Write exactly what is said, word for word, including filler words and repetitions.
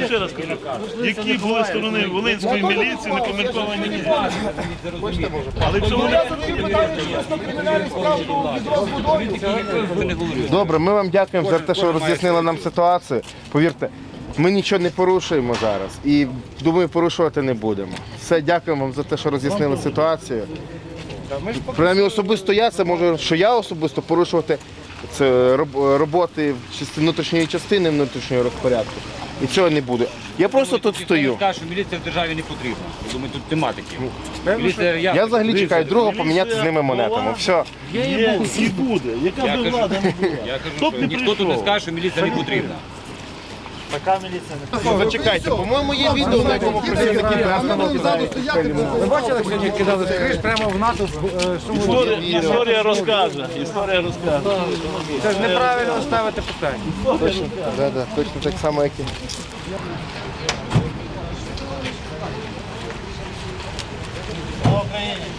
ще раз кажу, які були сторони Волинської міліції, не коментовані ні. Але якщо вони... Добре, ми вам дякуємо за те, що роз'яснили нам ситуацію. Повірте, ми нічого не порушуємо зараз і, думаю, порушувати не будемо. Все, дякуємо вам за те, що роз'яснили ситуацію. Принаймні особисто я, це можу, що я особисто порушувати це роботи внутрішньої частини, внутрішнього розпорядку. І цього не буде. Я просто тут стою. Скажу, що міліція в державі не потрібна. Я думаю, тут тематики. Міліція, я, Я взагалі чекаю другого поміняти з ними монетами. Все. Є і буде. Яка я б кажу, влада не була. я кажу, Хто б що не ніхто тут не прийшов? скаже, що міліція не потрібна. Така міліція не Зачекайте, по-моєму, є відео, на якому працівники Ви бачили, сьогодні кидали з криш прямо в НАТО? Історія, історія розкаже. Історія розкаже. Це ж неправильно ставити питання. Точно, да, да, точно так само, як і. Слава Україні!